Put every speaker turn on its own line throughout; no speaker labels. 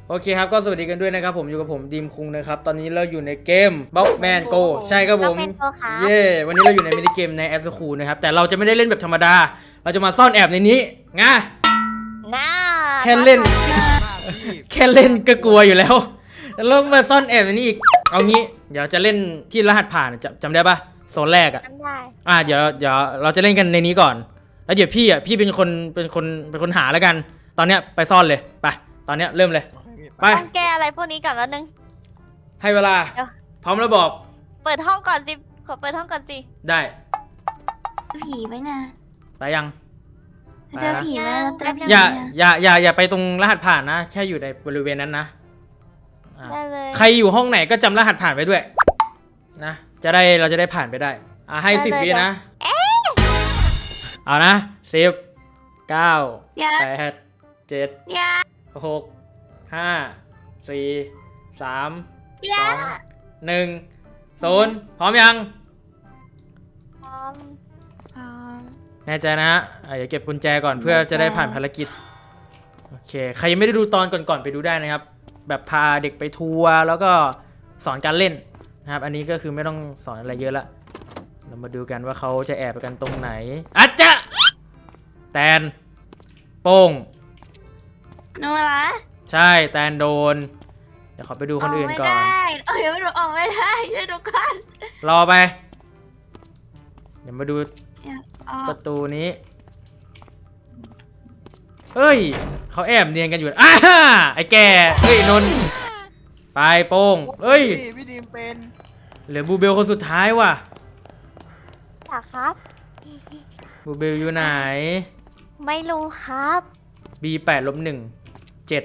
โอเคครับก็สวัสดีกันด้วยนะครับผมอยู่กับผมดีมคุงนะครับตอนนี้เราอยู่ในเกมบล็อกแมนโกใช่ครับผมเย่วันนี้เราอยู่ในมินิเกมในแอสคูนะครับแต่เราจะไม่ได้เล่นแบบธรรมดาเราจะมาซ่อนแอบในนี้ไงแค่เล่นก็กลัวอยู่แล้วแล้วมาซ่อนแอบในนี้อีกเอางี้เดี๋ยวจะเล่นที่รหัสผ่านจำได้ปะโซนแรกอ่ะเดี๋ยวเราจะเล่นกันในนี้ก่อนแล้วเดี๋ยวพี่เป็นคนหาแล้วกันตอนเนี้ยไปซ่อนเลยไปตอนเนี้ยเริ่มเลยไป
ต้องแก้อะไรพวกนี้ก่อนแล้วนึง
ให้เวลาพร้อมแล้วบอก
เปิดห้องก่อนสิขอเปิดห้องก่อนสิ
ได้
ผีไหมนะ
ไปยัง
เจอผีไหม
อย่าไปตรงรหัสผ่านนะแค่อยู่ในบริเวณนั้นนะ
ได้เลย
ใครอยู่ห้องไหนก็จำรหัสผ่านไปด้วยนะเราจะได้ผ่านไปได้ให้10 วินะเอานะ10 9 8 7 6 5 4 3 2 1 0พร้อมยัง
พร้อม
แน่ใจนะฮะอย่าเก็บกุญแจก่อนเพื่อจะได้ผ่านภารกิจโอเคใครยังไม่ได้ดูตอนก่อนไปดูได้นะครับแบบพาเด็กไปทัวร์แล้วก็สอนการเล่นนะครับอันนี้ก็คือไม่ต้องสอนอะไรเยอะละเรามาดูกันว่าเขาจะแอบไปกันตรงไหนอาจจะแตนโป้ง
โนละ
ใช่แตนโดนเดี๋ยวขอไปดูคนอื่นก่อน
ไม่รู้ออกไม่ได้ช่วยดูกัน
รอไปเดี๋ยวมาดูประตูนี้เฮ้ยเขาแอบเนียนกันอยู่ไอ้แกเฮ้ยนนไปโป้งเฮ้ย
พี่ดีมเป็น
เหลือบูเบลคนสุดท้ายว่ะ
อยากครับ
บูเบลอยู่ไหน
ไม่รู้ครับ
B8-1 7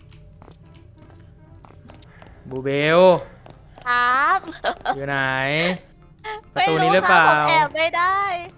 บูเบล
ครับ
อยู่ไหนประตูนี้หรือเปล่า
แอบไม่ได้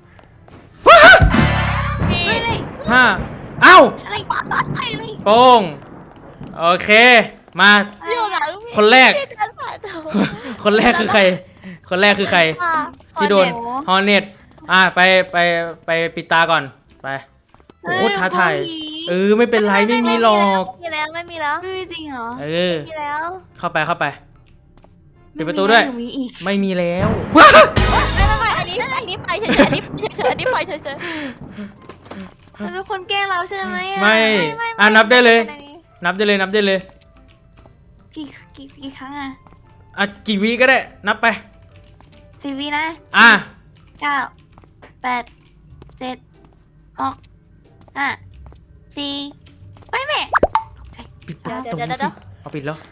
เอ้าโป้งโอเคมาคนแรกคือใครที่โดนฮอร์เน็ตไปปิดตาก่อนไปโอ้ท้าทายไม่เป็นไรไม่มีหรอก
ไม่มีแล้วไม่มี
จริงเหรอ
มีแล้ว
เข้าไปปิดประตูด้วยไม่มีแล้ว
ไม่อันนี้ไปเฉยอันนี้ไปเฉย
ทุกคนแกล้งเราใช่ไหม
ไม่นับได้เลยนับได้เลย
กี่ครั้ง
กี่วิก็ได้นับไป
10 วินะ9 8 7 6 5 4ไปแม่
ปิดประตูสิเอาปิดแล้ว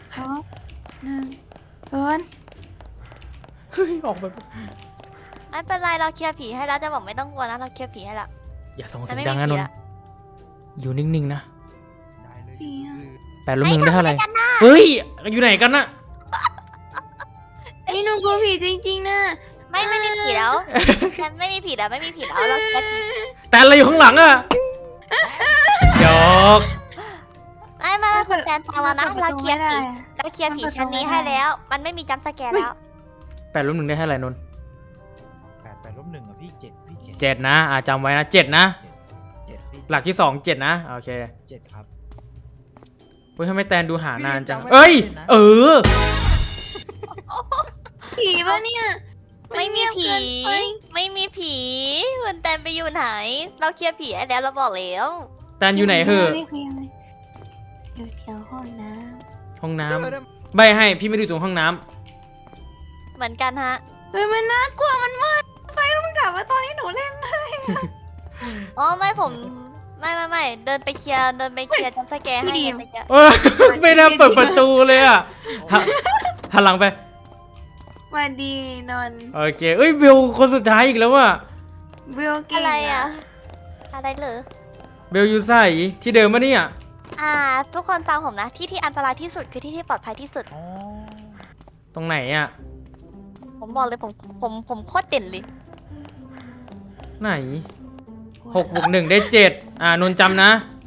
1 0
เฮ้ยออกไป
ไม่เป็นไรเราเคลียร์ผีให้แล้วจะบอกไม่ต้องกลัวนะเราเคลียร์ผีให้แล้ว
อย่าส่งเสียงดังนะนนอยู่นิ่งๆนะ
ได้เลย
8-1ได้เท่าไหร่เฮ้ยอยู่ไหนกันน่ะ
ไอ้หนูกลัวผีจริงๆนะ
ไม่มีผีแล้วฉันไม่มีผีแล้วเราเคลียร์ผี
แต่อะไรอยู่ข้างหลังอะหยอก
ไม่คุณแตนฟังแล้วนะเราเคลียร์ผีชั้นนี้ให้แล้วมันไม่มีจัมป์สแกร์แล้ว
8-1ได้เท่าไหร่นน
8-1อ่ะพี่
7นะจำไว้นะ7นะหลักที่2 7นะโอเค
7ครับ
เฮ้ยทำไมแตนดูหานานจัง
ผีปะเนี่ย
ไม่มีผีคุณแตนไปอยู่ไหนเราเคลียร์ผีให้แล้วเราบอกแล้ว
แตนอยู่ไหนเหอะ
อยู่แถวห้
องน้ำใบให้พี่ไม่ดูตรงห้องน้
ำเหมือนกันฮะ
มันน่ากลัวมันมืดไฟต้องดับมาตอนที่หนูเล่นเลย
ไม่ผมไม่เดินไปเคลียร์จัมป์สแกร์ให้
ไม่น่าเปิดประตูเลยอ่ะหันหลังไป
มาดีนน
โอเคเบลคนสุดท้ายอีกแล้วอ่ะ
เบลเก่ง
อะไรเหรอ
เบลอยู่ใส่ที่เดิมมะเนี่ย
ทุกคนฟังผมนะที่อันตรายที่สุดคือที่ปลอดภัยที่สุด
ตรงไหนอ่ะ
ผมบอกเลยผมโคตรเด่นเลย
ไหน6+1ได้7นนจำนะ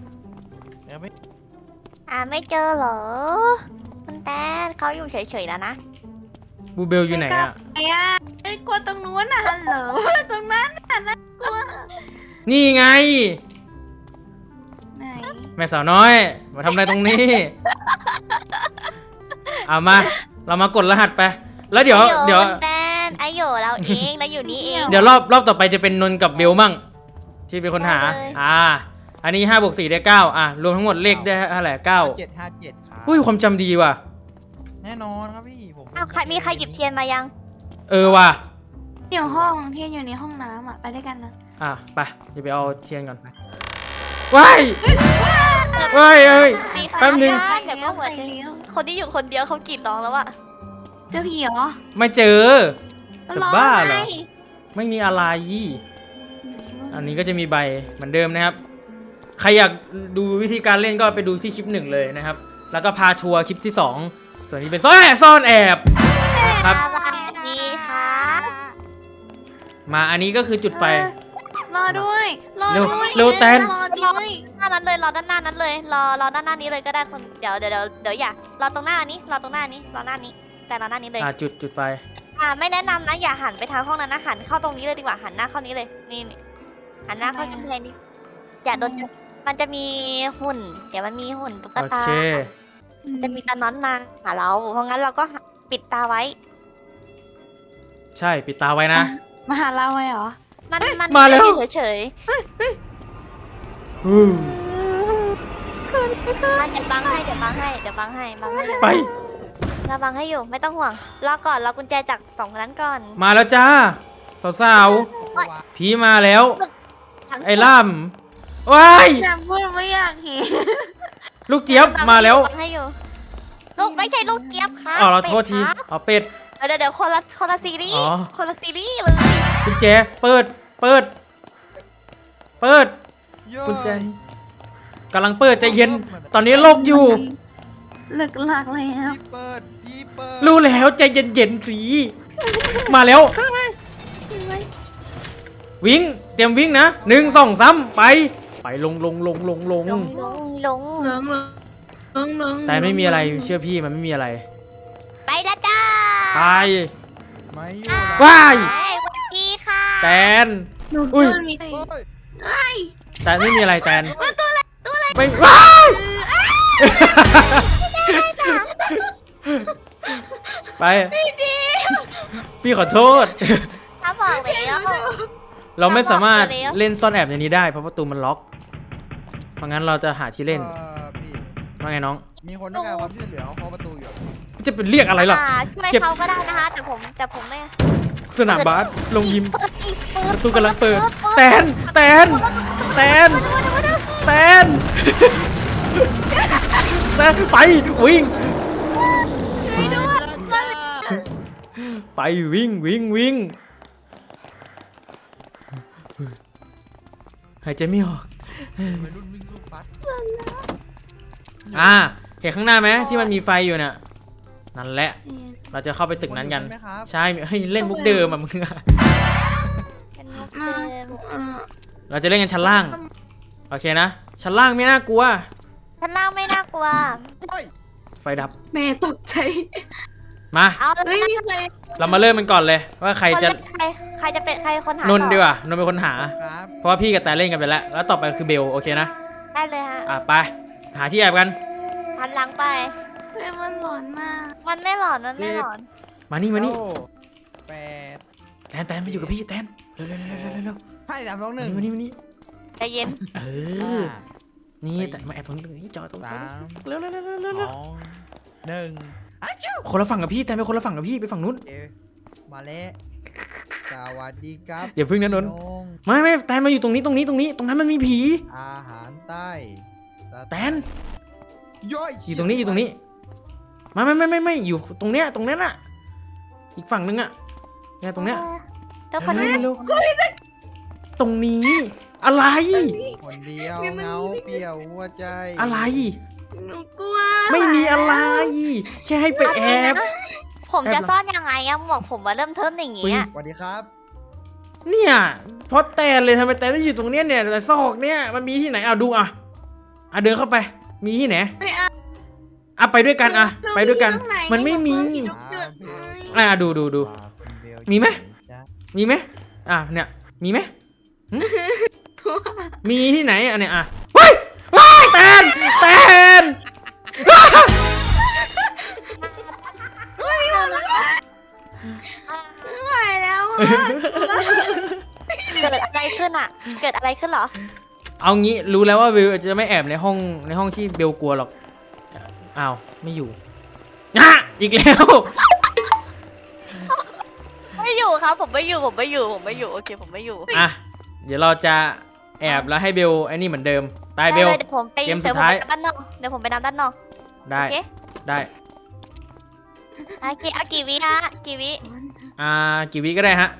ไม่เจอเหรอคุณแตนเขาอยู่เฉยๆแล้วนะ
บูเบลอยู่ไหนอ่ะ
กลัวตรงนู้นน่ะเหรอตรงนั้นน่ากลัว
นี่ไง
ไหน
แม่สาวน้อยมาทำอะไรตรงนี้เอามา เรามากดรหัสไป แล้วเดี๋ยว
คุณแตนไอโยเราเองแล้วอยู่นี่เอง
เดี๋ยวรอบต่อไปจะเป็นนนท์กับเบลมั่งที่เป็นคนหา
ได้เลย
อันนี้5 บวก 4 ได้ 9รวมทั้งหมดเลขได้เท่าไหร่9
57ครับ
อุ้ยความจำดีว่ะ
แน่นอนครับพี่ผม
อ้าวมีใครหยิบเทียนมายัง
ว่ะ
เดี๋ยวห้องที่อยู่ในห้องน้ำอ่ะไปด้วยกันนะ
ไปเดี๋ยวไปเอาเทียนก่อนว้ายเฮ้ย
มีใคร
แป๊บนึง
เดี๋ยวก็เหมือนคนที่อยู่คนเดียวเขากรีดร้องแล้วอะ
เจ้าผีเหรอ
ไม่เจอ จะบ้าเหรอ
ไง
ไม่มีอะไร อันนี้ก็จะมีใบเหมือนเดิมนะครับ ใครอยากดูวิธีการเล่นก็ไปดูที่คลิป1เลยนะครับ แล้วก็พาทัวร์คลิปที่ 2 ส่วนนี้เป็นซ่อนแอบนะครับ
สวัสดีค่ะ
มาอันนี้ก็คือจุดไฟ
รอด้วยรอ
เร็ว
ด้วย
เร็วแตน
รอด้วย
หน้านั้นเลยรอด้านหน้านั้นเลยรอด้านหน้านี้เลยก็ได้คนเดี๋ยวอย่ารอตรงหน้านี้รอตรงหน้านี้รอหน้านี้แต่รอหน้านี้เลย
จุดไฟ
ไม่แนะนำนะอย่าหันไปทางห้องนั้นนะหันเข้าตรงนี้เลยดีกว่าหันหน้าเข้านี้เลยนี่หันหน้าเข้ากำแพงนี้อย่าโดนมันจะมีหุ่นเดี๋ยวมันมีหุ่นตุ๊ก
โอ
ตา
เค
จะมีตาน้อนมาหาเราเพราะงั้นเราก็ปิดตาไว้
ใช่ปิดตาไว้นะ
มาหาเราไว้เหรอ
มัน
มาแล้ว
อยู่เฉย
อืม
ๆเดี๋ยวบังให้บังให้อยู่
ไป
เราบังให้อยู่ไม่ต้องห่วงรอก่อนรอกุญแจจากสองคนนั้นก่อน
มาแล้วจ้าสาวๆผีมาแล้ว ไอ้ล่ำว้าย
แต่พูดไม่อยากเห็น
ลูกเจี๊ยบมาแล้ว
บังให้อยู่ลูกไม่ใช่ลูกเจี๊ยบครับ
เราโทษที
เป็ดครับ
เป็ด
เดี๋ยวคนละซีรี
อ๋
ส์
อ
คนละซีรีส์เลย
กุญแจเปิดกุญแจกำลังเปิดใจเย็น ตอนนี้โลกอยู่
หลึกหลักแล้ว
พี่เปิด
รู้แล้วใจเย็นๆสิมาแล้ว วิ่งเตรียมวิ่งนะ1 2 3ไปลง
ลง
แต่ไม่มีอะไรเชื่อพี่มันไม่มีอะไร
ไปแล้วจ้า
ไป
ไม่อยู่
ว้าย
สวัสดีค่ะ
แตน
หนู
อุ้ย
โดนมี
เฮ้ย
แต่ไม่มีอะไรแตนไม่ว้ายไปพี่ขอโทษ
ถ้าบอกแล้ว
เราไม่สามารถ
บอกไปแล้ว
เล่นซ่อนแอบในนี้ได้เพราะประตูมันล็อกเพราะงั้นเราจะหาที่เล่น
พี่
ว่าไงน้อง
มีคนต้องการความช่วยเหลือเขาเคาะประตูอยู่
จะเป็นเรียกอะไรล่ะ
ช่วย
เจ็บ
เขาก็ได้นะคะ แต่ผมไม่
สนามบาสลงยิม
เปิดอีก
ประตูกำลังเปิดแตนแตนไปวิ่งไปวิ่งหายใจไม่ออก
วัยรุ่นวิ่งสู้ฟัด
เห็นข้างหน้าไหมที่มันมีไฟอยู่เนี่ยนั่นแหละเราจะเข้าไปตึกนั้นกัน
ใช่ไหมครับ
ใช่ให้เล่นมุกเดิมอะมึงอะ
เป็นมุกเดิม
เราจะเล่นกันชั้นล่างโอเคนะชั้นล่างไม่น่ากลัว
ชั้นล่างไม่น่ากลัว
เฮ้ย
ไฟดับ
แม่ตกใจ
มา
เอา
เฮ้ยมีใคร
เรามาเริ่มมันก่อนเลยว่าใครจะ
ใครจะเป็นใครคนหาน
นท์ดีกว่านนท์เป็นคนหา
ครับ
เพราะว่าพี่กับแต่เล่นกันไปแล้วแล้วต่อไปคือเบลโอเคนะ
ได้เลยฮะ
ไปหาที่แอบกัน
หันหลังไป
เฮ้ยมันหลอนมาก
มันไม่หลอนมันไม่หลอน
มานี่
9 8
แตนมาอยู่กับพี่แตนเร็ว
ให้3 2
มานี่
ใจเย็น
เออนี่แต่มาแอบตรงนี้จอตรง
1
นี้
3
เร็ว
2 1อ้าว
คนละฝั่งกับพี่แตนไปคนละฝั่งกับพี่ไปฝั่งนู้น
เอ๊ะมาแล้วสวัสดีครับ
อย่าพึ่งนะนนท์
พี่ง
ไม่แตนมาอยู่ตรงนี้ตรงนั้นมันมีผี
อาหารใต้ส
แตน
ย่อย
อยู่ตรงนี้อยู่ตรงนี้ไม่อยู่ตรงเนี้ยน่ะอีกฝั่งนึงอะเนี่ยตรงเนี้ย
แล้วคนนั้น
เร็วตรงนี้อะไร
คนเดียวเงาเปลี่ยวหัวใจ
อะไร
หนูกลัว
ไม่มีอะไร แค่ให้ไปแอบ
ผมจะซ่อนยังไงอะหมวกผมมาเริ่มเทิมอย่าง
อุ๊
เงี้
ย
ย
สวัสดีครับ
เนี่ยเพราะแตนเลยทำไมแตนไม่อยู่ตรงเนี้ยเนี่ยแต่ซอกเนี่ยมันมีที่ไหนเอาดูเดินเข้าไป มีที่ไหน
ไม่เอา
ไปด้วยกันไปด้วยกัน
หข้างใ
มันไม่มี
หนูเกิดเอ้ย
ดู มีไหม มีไหมเนี่ยมีไหมหึมีที่ไหนเนี่ยว้ายแตน
เกิดอะไรขึ้นอ่ะ เกิดอะไรขึ้นเหรอ
เอางี้รู้แล้วว่าเบลจะไม่แอบในห้องที่เบลกลัวหรอกอ้าวไม่อยู่อ่ะอีกแล้ว
ไม่อยู่ครับ ผมไม่อยู่ โอเค ผมไม่อยู่
อ่ะเดี๋ยวเราจะแอบแล้วให้เบลไอ้นี่เหมือนเดิมไปเบล
ได้เลยเดี๋ยวผมไป
เกมสุดท้าย
ด้านนอกเดี๋ยวผมไปด้านนอก
ได้
โอเค
ได้
เอากี่วิฮะกี่วิ
กี่วิก็ได้ฮะ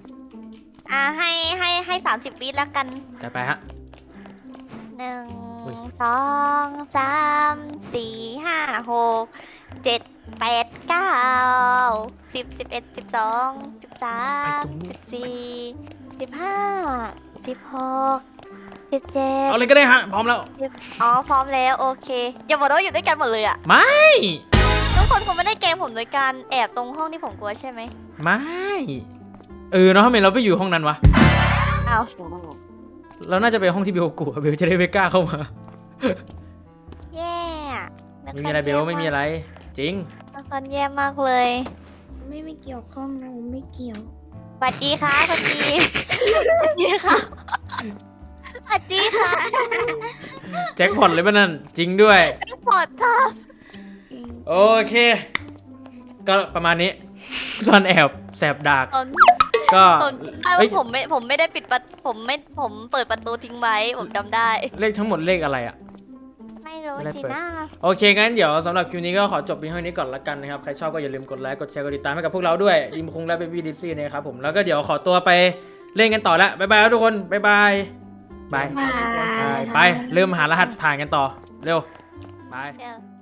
ให้30 วิแล้วกัน
จัดไปฮะ อุ้ย
1 2 3 4 5 6 7 8 9 10 11 12 13 14 15 16 17
เอาเลยก็ได้ฮะพร้อมแล้ว
อ๋อพร้อมแล้วโอเคอย่าบอกว่าอยู่ด้วยกันหมดเลยอะ
ไม่
ทุกคนคงไม่ได้เกมผมโดยการแอบตรงห้องที่ผมกลัวใช่ไหม
ไม่เนาะทำไมเราไปอยู่ห้องนั้นวะ
เอา
เราน่าจะไปห้องที่เบลกลัวเบลจะได้ไม่กล้าเข้ามา
แย่
ไม่มีอะไรเบลไม่มีอะไร จริง
ละครแย่มากเลย
ไม่เกี่ยวข้องนะผมไม่เกี่ยว
สวัสดีค่ะสวัสดีสวัสดีค่ะสวัสดีค่ะ
แจ็คพอตเลยป่ะนั่นจริงด้วย
ปอดค่ะ
โอเค ก็ประมาณนี้ซ่อนแอบแสบดาก
ตอน
ก็
ตอน
เฮ้ย
ผมไม่ได้ปิดประผมเปิดประตูทิ้งไว้ผมจำได้
เลขทั้งหมดเลขอะไรอะ
ไม่รู้
ไม่ได้
สิ
เปิด
นะ
โอเค งั้นเดี๋ยวสำหรับคลิปนี้ก็ขอจบเพียงเท่านี้ก่อนละกันนะครับ ใครชอบก็อย่าลืมกดไลค์ กดแชร์ กดติดตามให้กับพวกเราด้วยดิมคุงและเบบี้ดิซี่นะครับผม แล้วก็เดี๋ยวขอตัวไปเล่นกันต่อละบ๊ายบายครับทุกคน บ๊ายบาย บาย
บ๊ายบาย
ไป เริ่มหารหัสผ่านกันต่อ เร็ว บาย
เดี๋ยว